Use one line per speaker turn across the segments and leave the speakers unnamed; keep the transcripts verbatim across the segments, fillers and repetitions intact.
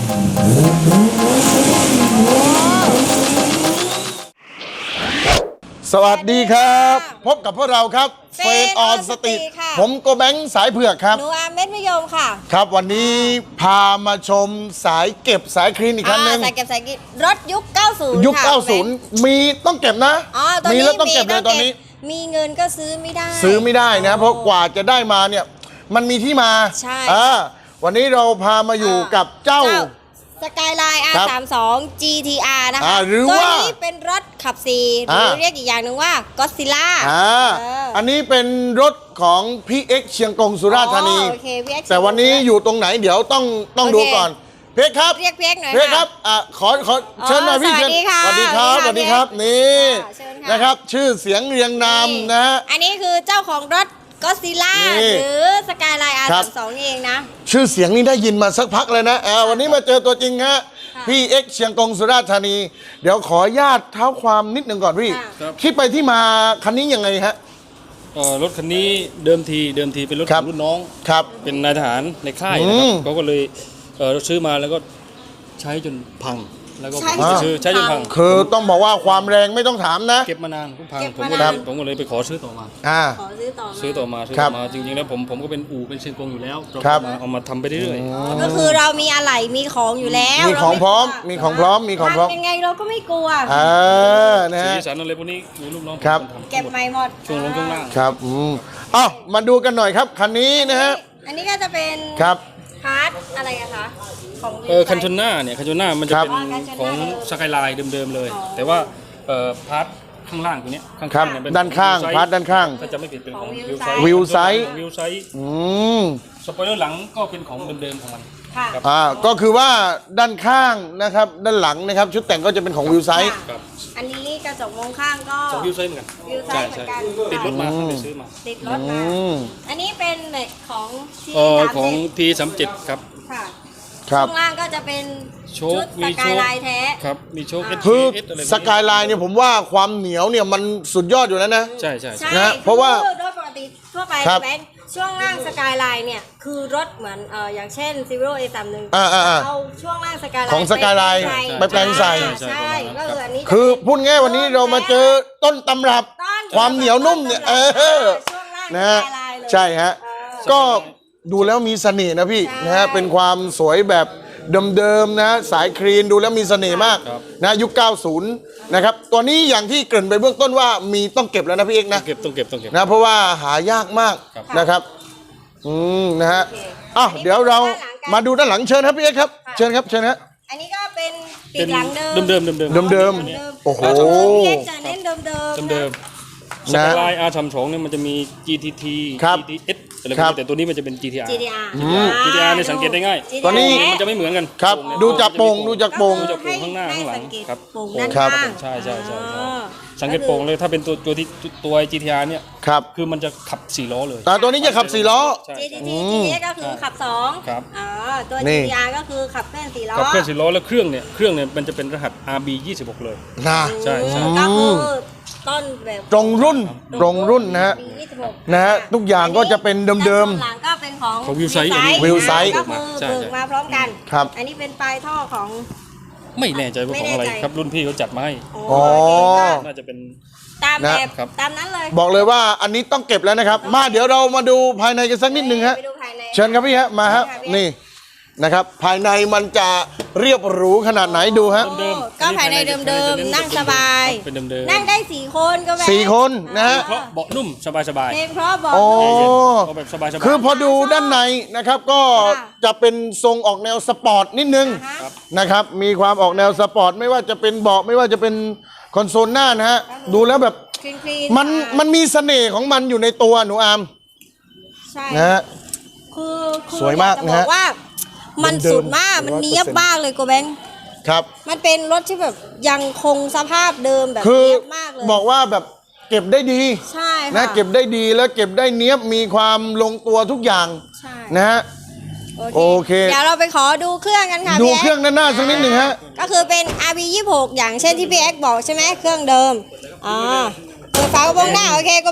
สวัสดีครับพบกับพวกเราครับเฟนออนสติผมโกแบงค์สายเผือกครับ
หนูอาเม็ดมะยมค่ะ
ครับวันนี้พามาชมสายเก็บสายคลีนอีกครั้งนึง
สายเก็บสายคลีนรถยุคเก้าสิบ
ยุคเก้าสิบมีต้องเก็บนะมีแล้วต้องเก็บเลยตอนนี้
มีเงินก็ซื้อไม่ได้
ซื้อไม่ได้นะเพราะกว่าจะได้มาเนี่ยมันมีที่มา
ใช่
วันนี้เราพามาอยู่กับเจ้า
สกายไลน์ อาร์ สามสิบสอง จี ที อาร์ นะคะ
ตัว
นี้เป็นรถขับสี่หรือเรียกอีกอย่างหนึ่งว่าก็อดซิลล่า
อันนี้เป็นรถของพี่เอ็กเชียงกงสุราษฎร์ธานีแต่วันนี้อยู่ตรงไหนเดี๋ยวต้องต้องดูก่อนเพียกครับ
เรียกเพียกหน่อย
เพียกครับอ่ะขอขอเชิญหน่อยพี่เชิญสวัสดีครับสวัสดีครับนี่นะครับชื่อเสียงเรียงนามนะฮะ
อันนี้คือเจ้าของรถก็อดซิลล่าหรือสกายไลน์ อาร์ สามสิบสอง นี่เองนะ
ชื่อเสียงนี้ได้ยินมาสักพักเลยนะอ่าวันนี้มาเจอตัวจริงฮะพี่เอ็กเชียงกงสุราษฎร์ธานีเดี๋ยวขอญาตเท้าความนิดหนึ่งก่อนพี่คิดไปที่มาคันนี้ยังไงฮะ
รถคันนี้เดิมทีเดิมทีเป็นรถของรุ่นน้อง
ครับ
เป็นนายทหารในค่ายนะครับเขาก็เลยซื้อมาแล้วก็ใช้จนพังแล้วก็ซื้อใช้จนพัง
คือต้องบอกว่าความแรงไม่ต้องถามนะ
เก็บมานานพังผมก็เลยผมก็เลยไปขอซื้อต่อมา
อ่า
ขอซื้อต่อ
ซื้อต่อมาซื้อต่อมาจริงๆแล้วผมผมก็เป็นอู่เป็นเชียงกงอยู่แล้ว
ครับ
เอามาทำไปเรื่อย
ๆก็คือเรามีอะไหล่มีของอยู่แล้ว
มีของพร้อมมีของพร้อมมีของพร้อม
ยังไงเราก็ไม่กลัว
อ่านะ
สีสันอะไรพวกนี้มีลูกน้อง
ครับ
เก็บใหม่หมด
ช่วงลงช่วงล่าง
ครับอืมอ้าวมาดูกันหน่อยครับคันนี้นะฮะ
อันนี้ก็จะเป็น
ครับ
พาร์ทอะไรอะคะ
เออคันชนหน้าเนี่ยคันชนหน้ามันจะเป็นของสกายไลน์เดิมๆเลยแต่ว่าเอ่อพาร์ทข้างล่างตัวนี้
ข้างๆเนี่ยด้านข้างพาร์ทด้านข้าง
ถ้าจะไม่ผิดเป็นของ
วิวไซส์
วิวไซส์
อืม
สปอยเลอร์หลังก็เป็นของเดิมๆของมัน
ค่ะ
อ่าก็คือว่าด้านข้างนะครับด้านหลังนะครับชุดแต่งก็จะเป็นของวิวไซส์
อันนี้กระจกมองข้างก็
ของวิวไซส์เหมือนกัน
วิวไซส์เหมือนกัน
ติดรถมาไปซื้อมา
ติดรถมาอันนี้เป็นเหล็กของ
ของ ที สามสิบเจ็ด ครับ
ค่ะข้างล่างก็จะเป็น
โช
คสกายไลน์แท้
ครับมีโชค
คือสกายไลน์เนี่ยผมว่าความเหนียวเนี่ยมันสุดยอดอยู่แล้วนะ
ใช่ใช่
ใช่
นะเพราะว่า
โดยปกติทั่วไปแบงค์ช่วงล่างสกายไลน์เนี่ยคือรถเหมือนเอ่ออย่างเช่น Zero เอ สามสิบ เอาช่วงล่างสกายไลน์
ของสกายไลน์ไปแปลงใส่
ใช่ก็คืออันนี้
คือพูดง่ายวันนี้เรามาเจอต้นตำรับความเหนียวนุ่มเนี่ยเออนะฮะใช่ฮะก็ดูแล้วมีเสน่ห์นะพี่นะฮะเป็นความสวยแบบเดิมๆนะสายคลีนดูแล้วมีเสน่ห์มากนะยุคเก้าสิบนะครับตัวนี้อย่างที่เกริ่นไปเบื้องต้นว่ามีต้องเก็บแล้วนะพี่เอกนะ
เก็บต้องเก็บต้องเก็บ
นะเพราะว่าหายากมากนะครับอืมนะฮะอ้าวเดี๋ยวเรามาดูด้านหลังเชิญครับพี่เอกครับเชิญครับเชิญฮะ
อันนี้ก็เป็นปีกหลังเดิม
เดิมเดิมเดิม
เดิมโอ้โห
พี่เอกจะเน้นเดิมเดิม
เดิมสกายไลน์ อาร์ สามสิบสองเนี่ยมันจะมี จี ที ที จี ที เอส อะไรพวกนี้แต่ตัวนี้มันจะเป็น จี ที อาร์
จี ที อาร์
จี ที อาร์ เนี่ยสังเกตได้ง่าย
ตัวนี้
มันจะไม่เหมือนกัน
ครับดูจากโป่งดูจากโป่ง
ดูจากโป่งข้างหน้าข้างหลังครับ
โป่งด้านข้าง
ใช่ใช่ใช่สังเกตโป่งเลยถ้าเป็นตัวตัวที่ตัว จี ที อาร์ เนี่ย
ครับ
คือมันจะขับสี่ล้อเลย
แต่ตัวนี้จะขับสี่ล้อ
จี ที ที จี เอส ก็คือขับสอง
ครับ
อ๋อตัว จี ที อาร์ ก็คือขับเคลื่อนสี่ล้อ
ขับเคลื่อนสี่ล้อแล้วเครื่องเนี่ยเครื่องเนี่ยมันจะเป็นรหัส อาร์ บี ยี่สิบหกเลย
นะ
ใช่ใช่
ก็คือต้นแบบ
ตรงรุ่นตรงรุ่นนะฮะนะฮะทุกอย่างก็จะเป็นเดิม
ๆหลังก็เป็นของ
ของวิวไซส์
วิวไซส์
ก็คือเบิกมาพร้อมกัน
ครับ
อันนี้เป็นปลายท่อของ
ไม่แน่ใจว่าของอะไรครับรุ่นพี่เขาจัดมาให้
อ๋อ
น่าจะเป็น
ตามแบบตามนั้นเลย
บอกเลยว่าอันนี้ต้องเก็บแล้วนะครับมาเดี๋ยวเรามาดูภายในกันสักนิดนึงฮะเชิญครับพี่ฮะมาฮะนี่นะครับภายในมันจะเรียบหรูขนาดไหนดูฮะ
ก็ภายในเดิมๆนั่งสบายนั่งได้สี่คนก็แบบ
สี่คนนะฮะ
เพราะเบาะนุ่มสบายสบาย
เพราะเบาะ
แบบสบายสบาย
คือพอดูด้านในนะครับก็จะเป็นทรงออกแนวสปอร์ตนิดนึงนะครับมีความออกแนวสปอร์ตไม่ว่าจะเป็นเบาะไม่ว่าจะเป็นคอนโซลหน้านะฮะดูแล้วแบบมันมันมีเสน่ห์ของมันอยู่ในตัวหนูอาม
ใช่
นะฮะ
คือ
สวยมากนะฮะ
มันสุดมากมันเนี้ยบมากเลยโกแบงค์
ครับ
มันเป็นรถที่แบบยังคงสภาพเดิมแบบ
เนี้ยบมากเลยบอกว่าแบบเก็บได้ดี
ใช่
นะเก็บได้ดีแล้วเก็บได้เนี้ยบมีความลงตัวทุกอย่างนะฮะโอเค
เดี๋ยวเราไปขอดูเครื่องกันค่ะ
ดูเครื่องด้านหน้าสักนิดหนึ่งฮะ
ก็คือเป็น อาร์ บี ยี่สิบหกอย่างเช่นที่พี่เอ็กบอกใช่ไหมเครื่องเดิมอ่าเปิดฝากระโปรงหน้าโอเคโกแบงค์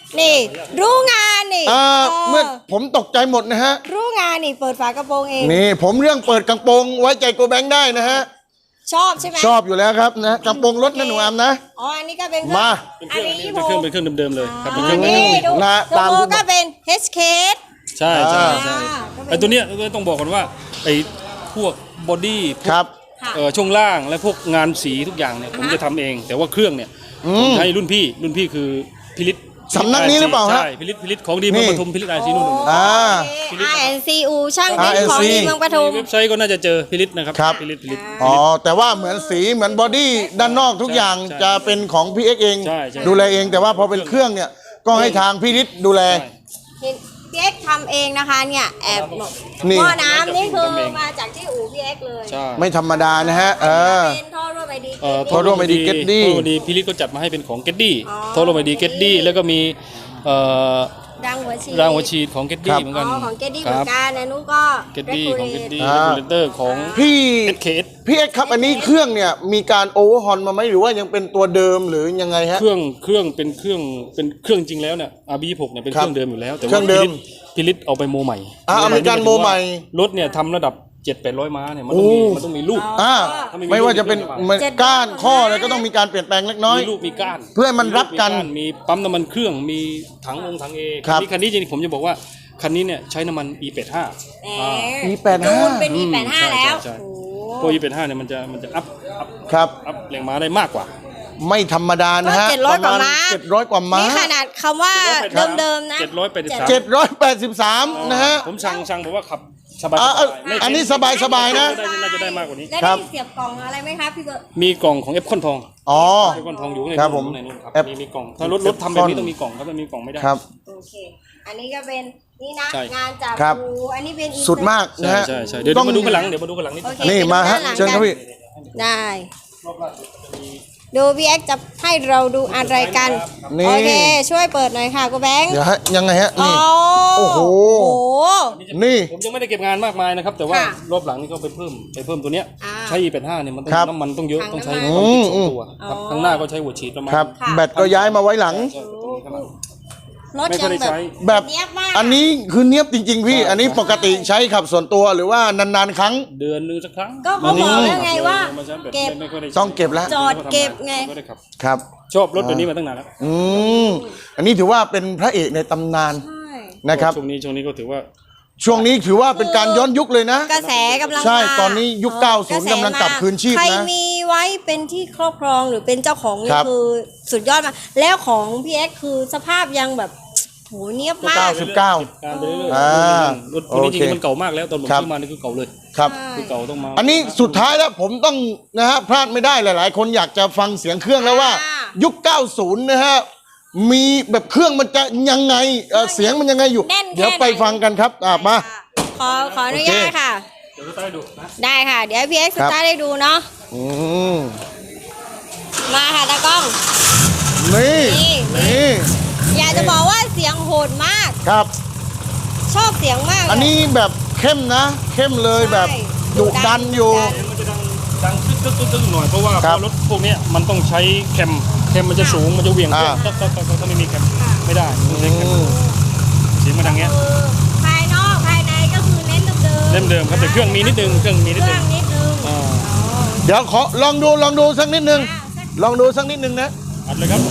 นี่ รู้งานนี่
อ่า
เออ
เมื่อผมตกใจหมดนะฮะ
รู้งานนี่เปิดฝากระโปรงเอง
นี่ผมเรื่องเปิดกระโปรงไว้ใจโกแบงค์ได้นะฮะ
ชอบใช่ไหม
ชอบอยู่แล้วครับนะกระโปรงรถนะหนูอามนะ
อ๋ออันนี้ก็เป็น
มา
เป็นเค
อัน
รื่อง
นี้
เป็นเครื่องเป็นเครื่องเดิมๆเลยครับเป็นเค
อั
รื่อน ง
นี้ดู
นะ
โล
ตาม
โก้
ที่
ก็เป็น เอช เค
ใช่ใช่ใช่
อ่า
ไอ้ตัวเนี้ยก็ต้องบอกก่อนว่าไอ้พวกบอดี้
ครับ
ค่ะ
เอ่อช่วงล่างและพวกงานสีทุกอย่างเนี่ยผมจะทำเอง แต่ว่าเครื่องเนี่ยผมให้รุ่นพี่รุ่นพี่คือพิริศ
สำนักนี้หรือเปล่าฮะ
ใช่พิริศพิริศของดีเมืองปทุมพิริศไอซีนู่น
อ่า
อาร์ เอ็น ซี อู ช่างเป็น
อาร์ เอ็น
ของ
ซี
ดีเมืองปทุม
เว็บไซต์ก็น่าจะเจอพิริศนะครับ
ครับ
พิริศพิริศ
อ๋อแต่ว่าเหมือนสีเหมือนบอดี้ด้านนอกทุกอย่าง
ใช่
จะเป็นของพี่เอ็กเอง
ใช่ใช่
ดูแลเองแต่ว่าพอเป็นเครื่องเนี่ยก็ให้ทางพี่ฤทธิ์ดูแล
ใช่
เห็นพี่เอ็กซ์ทำเองนะคะเนี่ยแอบ
นี่
หม้อน้ำนี่คือ
ทำเอง
มาจากที่อู่พี่เอ็กซ์เลย
ใช่
ไม่ธรรมดานะฮะ เออ
เป็นท่อรั่วไปดี
เอ่อ
โทรไปดี Getty
โทรไปดีพิริศก็จัดมาให้เป็นของเกตดี้
อ๋อ
โทรไปดีเกตดี้แล้วก็มีเอ่อ
ดังหัวฉีด
รางหัวฉีดของเกต
ครั
ดี้
บ
เหมือน
อ๋
กัน
อของเกดดี้
ค
เหมื
รั
อบ นกันนะนุก็
เกตดี้ของเกตดี้
อ่า
เรกูเลเตอร์ของ
พี่
เอส เค เอส
พี่เอ็กครับอันนี้เครื่องเนี่ยมีการโอเวอร์ฮอนมาไหมหรือว่ายังเป็นตัวเดิมหรือยังไงฮะ
เครื่องเครื่องเป็นเครื่องเป็นเครื่องจริงแล้วเนี่ย อาร์ บี ยี่สิบหกเนี่ยเป็น
ครั
เค
บ
รื่องเดิมอยู่แล้ว แต่
เครื่
ว่า
องเดิม
พิริศเอาไปโมใหม่
อ่าอเมริกันโมใหม่
รถเนี่ยทำระดับเจ็ดแปดร้อยม้าเนี่ยมันต้องมี
โอ้
มันต้องมีลูก
อ่า
ถ้าไม่มี
ไม่ว่าจะเป็น
ลูก
เหมือนก้านข้ออะไรก็ต้องมีการเปลี่ยนแปลงเล็กน้อย
มีลูกมีก้าน
เพื่อให้มันรับกัน
มีปั๊มน้ำมันเครื่องมีถังองค์ถังเอ
ครับ
คันนี้จริงๆผมจะบอกว่าคันนี้เนี่ยใช้น้ำมัน อี แปดสิบห้า
แหม
อ่า
อี แปดสิบห้า
จูนเป็น อี แปดสิบห้า
ใช่
แล้ว
ใช่ใช่
โอ้
พวก อี แปดสิบห้าเนี่ยมันจะมันจะอัพอัพ
ครับ
อัพแรงม้าได้มากกว่า
ไม่ธรรมดานะฮะ
เจ็ดร้อยกว่าม้า
เจ็ดร้อยกว่าม้า
นี่ขนาดคำว่าเดิมๆนะ
เจ็ดร้อยแปดสิบสาม
เจ็ดร้อยแปดสิบสามนะฮะ
ผมสั่งสั่งบอกว่าขับสบาย
อ่า
ไม่
อันนี้สบายสบายนะ
ได้น่าจะได้มากกว่านี้
แล้ว
ครั
ได้
บ
เสียบกล่องอะไรไหมครับพี่เบิร์ด
มีกล่องของเอฟคอนทอง
อ๋อ
เอฟคอนทองอยู่ข้างใน
ครับผม
ข้างในนู่นครับ
F
มีมีกล่องถ้ารถรถทำแบบนี้ต้องมีกล่องครับไม่มีกล่องไม่ได้
ครับ
โอเค อันนี้ก็เป็นนี่นะ
ใช่
งานจาก
ครับ
อู่อันนี้เป็นอี
สุดมากนะ
ใช่
ฮะ
ใช่ใช่เดี๋ยว
ต้อง
มาดูข้างหลังเดี๋ยวมาดูข้างหลังนิด
โอเค
นี่
ไปดู
มาฮะ
ด้นหลัง
เชิญครับ
กัน
พี่
ได้
รอบล่าสุดจะมี
ดูพี่เอ็กซ์จะให้เราดูอะไรกัน
นี่
โอเค ช่วยเปิดหน่อยค่ะกูแบงค์
เดี๋ยวฮะยังไงฮะ
โอ้
นี่ โอ้โห นี่
ผมยังไม่ได้เก็บงานมากมายนะครับ แต่ว่า
ค่ะ
รอบหลังนี่ก็ไปเพิ่มไปเพิ่มตัวเนี้ย
อ่า
ใช้ อี แปดสิบห้าเนี่ยมันต้อง
ครับ
น้ำมันต้องเยอะ
ถัง
ต้องใช้
น้ำมัน
ความคิดส
อื
อง
ม
ตัวครับ
อ๋อ
ข้างหน้าก็ใช้หัวฉีดประมาณ
ครับ
ค่ะ
แบตก็ย้ายมาไว้หลัง
ใช่ตรงนี้ข้างหลัง
รถ
ไม่ค่
ยั
อย
ง
ได้
แบบ
ใช้
แบบ
เนียบมาก
อันนี้คือเนียบจริง ๆ พี่
ใช่
อันนี้ปกติใช้ขับส่วนตัวหรือว่านานๆครั้ง
เดือนหนึงสักครั้ง
ก็เขาบอกแล้วไงว่า
มาใช้แบบ
เก็บ
ไม่ไม่ค่อยได้ใช้
ต้องเก็บแล้ว
จอดเก็บไง
ม่ค่อยด้ขับ
ครับ
ชอบรถแบบนี้มาตั้งนานแล้ว
อืม อันนี้ถือว่าเป็นพระเอกในตำนาน
ใช่
นะครับ
ช่วงนี้ช่วงนี้ก็ถือว่า
ช่วงนี้ถือว่าเป็นการย้อนยุคเลยนะ
กระแสกำลัง
ใช่
มา
ตอนนี้ยุค
อ๋อ
เก้าสิบ
ระแส
กำลังกลับคืนชีพนะ
ใครมีไว้เป็นที่ครอบครองหรือเป็นเจ้าของนี่
ครับ
คือสุดยอดมากแล้วของพี่เอ็กซ์คือสภาพยังแบบโหเนียบมา
เก้าก สิบเก้า
การไปเรื่อย
อ่า
ๆรถตัวนี้
โอ
จ
เค
ริงๆมันเก่ามากแล้วตอนผม
ครับ
ซื้อมานี่คือเก่าเลย
ครับ
คือเก่าต้องมา
อันนี้สุดท้ายแล้วผมต้องนะฮะพลาดไม่ได้หลาย ๆ คนอยากจะฟังเสียงเครื่องแล้วว่า
อ่า
ยุค เก้าสิบ นะฮะ มีแบบเครื่องมันจะยังไงเอ่อเสียงมันยังไงอยู่
แน่นแค่ไหน
เดี๋ยวไปฟังกันครับอ่ะมา
ขอขออนุญาตค่ะ
เดี๋ยวจะได้ดูนะ
ได้ค่ะ เดี๋ยวให้พี่เอ็กซ์
ค
ส
รับ
ตาร์ทให้ดูเนาะ
อืม
มาค่ะตากล้อง
นี่
นี่
นี่
อยากจะบอกว่าเสียงโหดมาก
ครับ
ชอบเสียงมากเลย
อันนี้แบบเข้มนะ เข้มเลยแบบ
ใช่
ดุดันอยู่
ดุดัน
เสียงมันจะดังดังตึ๊กตึ๊กตึ๊กตึ๊กหน่อยเพราะว่า
ครับ
เพราะรถพวกเนี้ยมันต้องใช้แคมแคมมันจะสูงมันจะเหวี่ยง
อ่า
ตึ๊กตึ๊กตึ๊กตึ๊กถ้าไม่มีแคม
ค่ะ
ไม่ได้ต้องใช้แคม
อืม
เสียงมันดังเงี้ย
คือภายนอกภายในก็คือเน้นเดิมๆ
เล่มเดิมครับแต่เครื่องมีนิดนึงเครื่องมีนิด
เค
นึ
รื่อง งนิดนึง
อ่า
อ๋อ
เดี๋ยวขอลองดูลองดูสักนิดนึง
อ่ะสัก
ลองดูสักนิดนึงนะ
อัดเลยครับ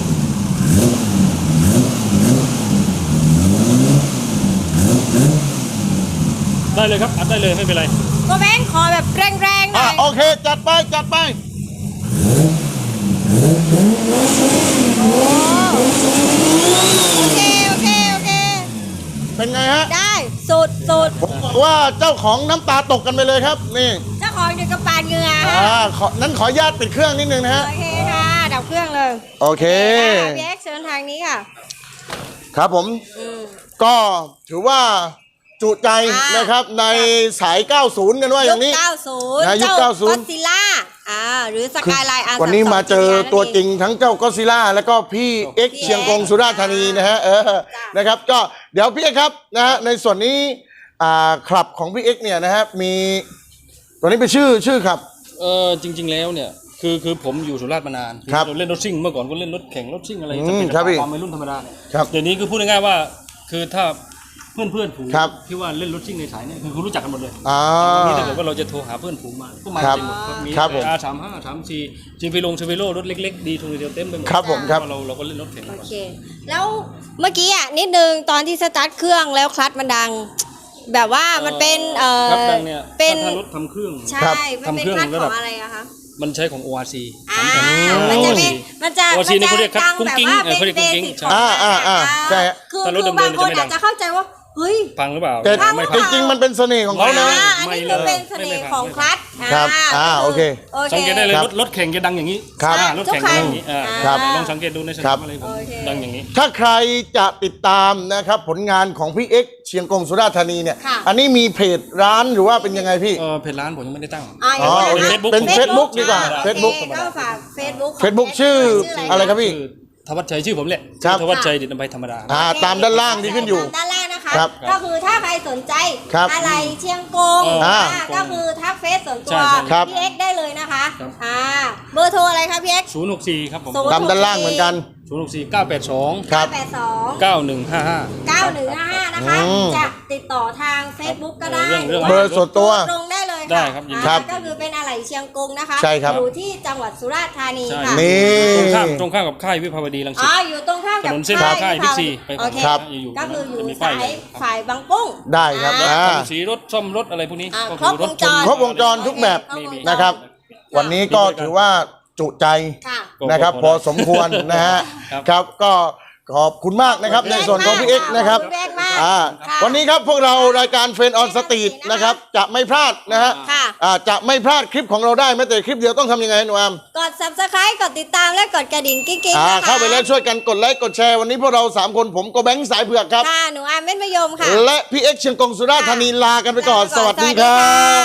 ได้เลยครับอัดได้เลยไม่เป็นไร
ก็แบงค์ขอแบบแรงๆหน่
อ่ะ
อย
โอเค จัดไปจัดไป
โอเคโอเคโอเค
เป็นไงฮะ
ได้สุดสุด
ผมบอกว่าเจ้าของน้ำตาตกกันไปเลยครับ นี่
เจ้าของเดี๋ยวกระปาดเหงื่อ
อ่าขอนั้นขออนุญาตปิดเครื่องนิดนึงนะฮะ
โอเคค่ะดับเครื่องเลย
โอเค
ค่ะพี่เอ็กซ์เชิญทางนี้ค่ะ
ครับผม
อืม
ก็ถือว่าจุใจ
อ่าน
นะครับในสาย เก้าสิบ กันว่าอย่างนี้
ยุคเก้าสิบ
นะยุค
เจ้า
เก้าสิบ
ก็ซิล่าอ่าหรือสกายไลน์อาร์
วันนี้มาเจอตัวจริงทั้งเจ้าก็ซิล่าแล้วก็พี่เอ็กซ์
พี่
เชียงกง
เอ็กซ์
สุราษฎร์ธานีนะฮะเออนะครับ ก็เดี๋ยวพี่เอ็กซ์ครับนะฮะในส่วนนี้อ่าคลับของพี่เอ็กซ์เนี่ยนะฮะมีตัวนี้เป็นชื่อชื่อครับ
เออจริง ๆแล้วเนี่ยคือคือผมอยู่สุราษฎร์มานาน
ครับ
เราเล่นรถซิ่งเมื่อก่อนก็เล่นรถแข่งรถซิ่งอะไร
อืม
จะเป็น
ครับพี่
ความวัยรุ่นธรรมดา
ครับ
เดี๋ยวนี้คือพูดง่ายๆว่าคือถ้าเพื่อนเพื่อนๆฝูง
ครับ
ที่ว่าเล่นรถซิ่งในสายเนี่ยคือเขารู้จักกันหมดเลย
อ่า
นี่ถ้าเกิดว่าเราจะโทรหาเพื่อนฝูงมาก็มา
ครับ
เต็มหมดครับมี
ครับผม
อาสามห้าสามสี่จิมไปลงเชฟโร่รถเล็กๆดีทุนเดียวเต็มไปหมด
ครับผมครับ
เพาะเราเราก็เล่นรถแข่ง
โอ
ก่อน
เค แล้วเมื่อกี้อ่ะนิดนึงตอนที่สตาร์ทเครื่องแล้วคลัตช์มันดัง แบบว่ามันเป็นเออ
ครับดังเนี่ย
เป็น
ถ้ารถทำเครื่อง
ใช่
ครับ
มันเป็น
ทำเครื่อง
คลัตช์
ระ
ข
ดั
อบ งอะไรอะคะ
มันใช้ของ โอ อาร์ ซี
อ่า
สามแผ่น
มันจะเป็นมันจะ
โอ
มัน
ซีนี่
จะ
เขาเรียก
ดัง
กุ้ง
แบบ
กิ้ง
ว่า
เออ
เป็น
เขาเรียก
เบ
กุ้งกิ้ง
สิก
ใช่
ของ
อ่าอ่าอ่า
มัน
ใช่ฮะ
คือ
ถ้าร
คื
ถ
อบาง
เดิมๆ
คน
จะไม่ดั
อาง จจะเข้าใจว่าเฮ้ย
ฟังหรือเปล่า
แต่
ฟัง
ไม่
จ
ฟัง
ริงๆมันเป็นเสน่ห์ของเขานะ
อ่าอันนี้คือเป็นเสน่ห์ของคลัตช์
ครับอ่าโอเค
โอเค
สังเกตได้เลย
ครับ
รถรถแข่งจะดังอย่างนี้
ครับ
อ่ารถแข่งจะดังอย่างนี้อ่า
ครับ
ลองสังเกตดูในส
ครั
นาม
บ
อะไรผม
โอเค
ดังอย่างนี้
ถ้าใครจะติดตามนะครับผลงานของพี่เอ็กซ์เชียงกงสุราษฎร์ธานีเนี่ย
ค่ะ
อันนี้มีเพจร้านหรือว่าเป็นยังไงพี่
เออเพจร้านผมยังไม่ได้ตั้ง
อ่า
อ๋อโอเค
Facebook
เป็น
ผม
Facebook ดีกว่า
อ่
Facebook
โอเคก็ฝาก Facebook ของ
Facebook ชื่ออะไรครับพี่
ชื่อธวัชชัยชื่อผมแหละ
ครับ
ธวัชชัยดิษฐ์นภัยธรรมดา
อ่าตามด้านล่างที่ขึ้นอยู่
ตามด้านล่างนะคะ
ครับ
ก็คือถ้าใครสนใจ
ครับ
อะไรเชียงกง
อ่า
อ่าก็คือทักเฟซส่วนตั
ใช่
ว
ใช่
ครับ
พี่เอ็กซ์ได้เลยนะคะ
ครับ
อ่าเบอร์โทรอะไรคะพี่เอ็กซ์
ศูนย์หกสี่ครับผม
ศูนย์
ตามด้านล่างเหมือนกัน
ศูนย์หกสี่เก้าแปดสอง
ครับ
แปดสอง
เก้าหนึ่งห้าห้า
เก้าหนึ่งห้าห้านะคะ
อืม
จะติดต่อทาง Facebook ก็ได้
เรื่องเรื่อง
ห
เบ
ว่า
อร์ส่วนตัว
ตรงได้เลยะ
ได้ครับยินดี
อ่า
ครับ
ก็คือเป็นอะไหล่เชียงกงนะคะ
ใช่ครับ
อยู่ที่จังหวัดสุราษฎร์ธานี
ใช่
ค่ะ
นี่
ตรงข้ามตรงข้ามกับค่ายวิภาวดีรังสิ
อ๋
ต
ออยู่ตรงข้ามกับ
ถนนเส้น
ค่าย
ค่าย
วิภว
บิ๊กซี
ดี
ไป
โอเค
ครับ
อยู่
ก็คืออยู่
จะมี
สา
ป้าย
ย
เลย
ฝ่ายบางปุ้ง
ได้ครับ
อ่า
อ่า
ทำสีรถซ่อมรถอะไรพวกนี้
อ่า
ก็
ครบวงจร
ครบวงจรทุกแบบ
มีมี
นะครับ วันนี้ก็ถือว่าจุใจ
ค่ะ
นะครับ พอสมควรนะฮะ
ครับ
ครับก็ขอบคุณมากนะครับในส่วนของพี่เอ็กซ์นะครับ
ขอบคุณพี่เอ็กซ์มาก
อ่า
ค่ะ
วันนี้ครับพวกเรารายการเฟรนออนสตรีทนะครับจะไม่พลาดนะฮะ
ค่ะ
อ่าจะไม่พลาดคลิปของเราได้แม้แต่คลิปเดียวต้องทำยังไงหนูอาม
กด subscribe กดติดตามและกดกระดิ่งกิ๊งๆ
อ่า
นะคะ
เข้าไปแล้วช่วยกันกดไลค์กดแชร์วันนี้พวกเราสามคนผมโกแบงค์สายเผือกครับ
ค่ะ หนูอามเม็ดมะยมค่ะ
และพี่เอ็กซ์เชียงกงสุราษฎร์ธานีลากันไปก่อน
ลาไปก่อน
สวัสดี
สวัสดี
ครั
ค่ะ
บ